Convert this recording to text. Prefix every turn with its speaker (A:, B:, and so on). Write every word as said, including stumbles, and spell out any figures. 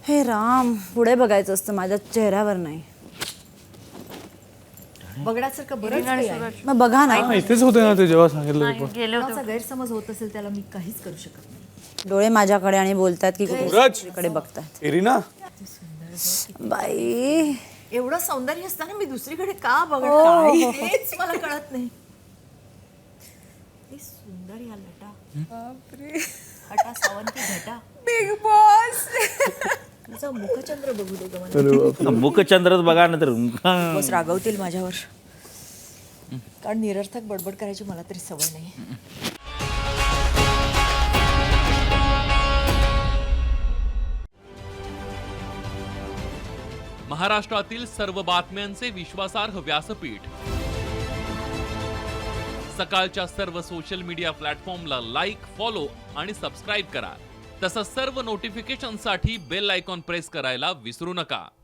A: हे राम, पुढे बघायचं असतं माझ्या चेहऱ्यावर नाही.
B: बघण्यासारखं बरंच काही आहे.
A: मग बघा ना.
C: हा, इथेच होते ना ते जेव्हा सांगितलं ते.
D: गेले होते.
B: कोणाचा गैरसमज होत असेल त्याला मी काहीच करू शकत नाही.
A: डोळे माझ्याकडे आणि बोलतात की
C: सूरज!
A: कुठे बघतात.
C: इरिना
A: बाई
B: एवढं सौंदर्य असताना मी दुसरीकडे का बघणार हेच मला कळत नाही. ती सुंदर या लटा हटा सावंती घटा
A: बिग बॉस.
B: तुझा मुखचंद्र बघू दे ग मला.
E: मुखचंद्रच बघा ना तर
B: बस रागवतील माझ्यावर, कारण निरर्थक बडबड करायची मला तरी सवय नाही.
F: महाराष्ट्रातील सर्व बातम्यांचे विश्वासार्ह व्यासपीठ, सकाळच्या सर्व सोशल मीडिया प्लॅटफॉर्मला लाईक, फॉलो आणि सबस्क्राईब करा. तसंच सर्व नोटिफिकेशनसाठी बेल आयकॉन प्रेस करायला विसरू नका.